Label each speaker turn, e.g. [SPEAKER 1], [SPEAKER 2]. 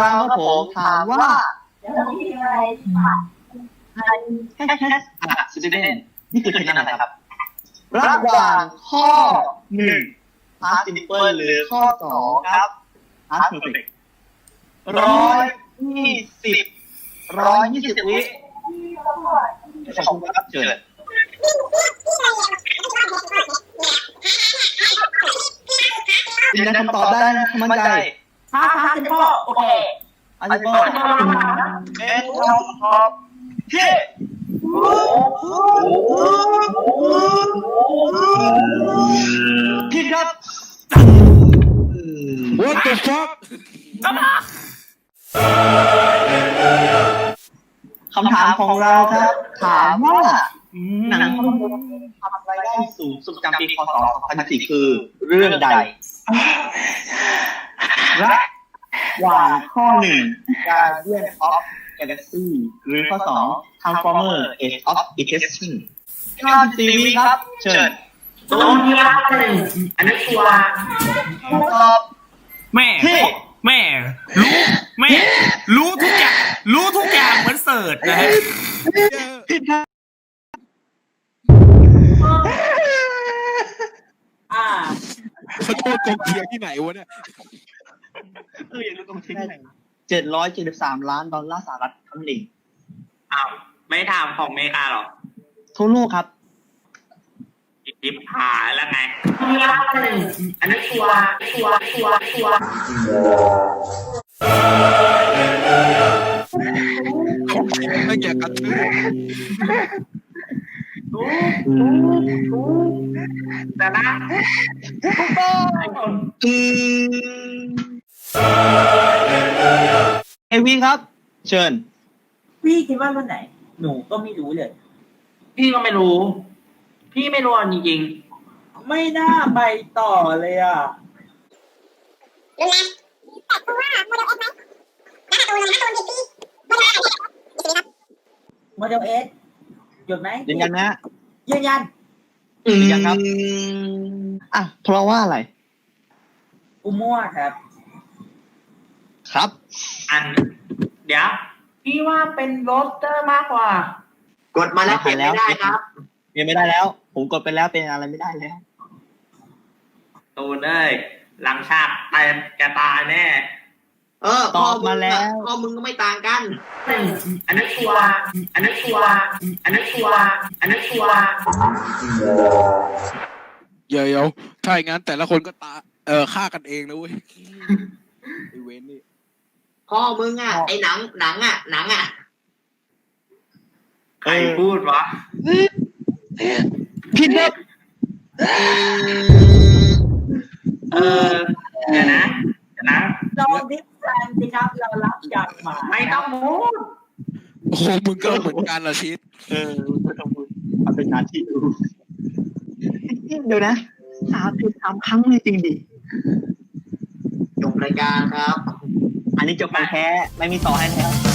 [SPEAKER 1] เราครับผมถามว่าสตูเดนนี่คือคะแนนอะไรครับระหว่างข้อ1 past simple หรือข้อ2ครับ past perfect 120วิขอบคุณครับเชิญยืนยันคำตอบได้นะมั่นใจ
[SPEAKER 2] พาสิพ่อโอเค
[SPEAKER 1] อันนี้ก็เป็นคำตอบที่ผิดครับ
[SPEAKER 3] What the fuck
[SPEAKER 1] คำถามของเราครับถามว่าหนังภาพยนตร์ทำรายได้สูงสุดประจำปีพ.ศ. 2014คือเรื่องใดระหว่างข้อ1 Guardian of Galaxy หรือข้อ2 Transformer Age of Extinction 94 วิครับเชิญ
[SPEAKER 2] ตรงนี้1อันนี้ชัวร์
[SPEAKER 1] ตอบ
[SPEAKER 4] แม่รู้ทุกอย่างเหมือนเสิร์ชนะฮะ
[SPEAKER 1] ผิดครับ
[SPEAKER 3] เขาโทษกองเชียร์ที่ไหนวะเนี่ย
[SPEAKER 1] อยากรู้กองเชียร์ที่ไหน$773 ล้านสหรัฐทั้งนี้
[SPEAKER 2] อ้าวไม่ทำของอเมริกาหรอ
[SPEAKER 1] ทั่วโลกครับ
[SPEAKER 2] อิบหายแล้วไงอันนี้ชัวร์
[SPEAKER 3] ไม่อยากกันเลย
[SPEAKER 2] แต่นะ
[SPEAKER 1] เอวีครับเชิญ
[SPEAKER 5] พี่คิดว่าวันไหนหนูก็ไม่รู้เลย
[SPEAKER 2] พี่ก็ไม่รู้จริง
[SPEAKER 5] ๆไม่น่าไปต่อเลยอ่ะ
[SPEAKER 6] รู้นะแต่คือว่าโมเดล X ไหมแล้วการ์ตูนเลยนะการ์ตูนเด็กพี่โมเดล X
[SPEAKER 5] หยุดไหม
[SPEAKER 1] ยืนยันนะ
[SPEAKER 5] ยืนยัน
[SPEAKER 1] ครับเพราะว่าอะไร
[SPEAKER 5] กูมั่วครับ
[SPEAKER 2] เดี๋ยวพี่ว่าเป็นโรสเตอร์มากกว่ากดมาแล้วเปลี่ยนไม่ได้ครับ
[SPEAKER 1] เปลี่ยนไม่ได้แล้วผมกดไปแล้วเป็นอะไรไม่ได้แล้ว
[SPEAKER 2] ตูนเอ้ยหลังฉากแกตายแน่
[SPEAKER 1] ตอบมาแล้ว
[SPEAKER 2] ข้อมึงก็ไม่ต่างกันอันนั้นชัวร์
[SPEAKER 3] เดี๋ยวถ้าอย่างนั้นแต่ละคนก็ฆ่ากันเองนะเว้ยไอเวนนี่
[SPEAKER 2] พ่อมึงไอหนังใครพูดวะ
[SPEAKER 1] ผิดครับ
[SPEAKER 2] เดี๋ยวนะ
[SPEAKER 5] เราดิฟแฟนสิครับเรารับจากหมา
[SPEAKER 2] ไม่ต้องพูด
[SPEAKER 3] โอ้มึงก็เหมือนกันละชิด
[SPEAKER 1] ไม่ต้องพูดมันเป็นหน้าที่ดูเดี๋ยวนะ3 ครั้งเลยจริงดิ
[SPEAKER 2] จบรายการครับ
[SPEAKER 1] อันนี้จบไปแค่ไม่มีต่อให้แล้ว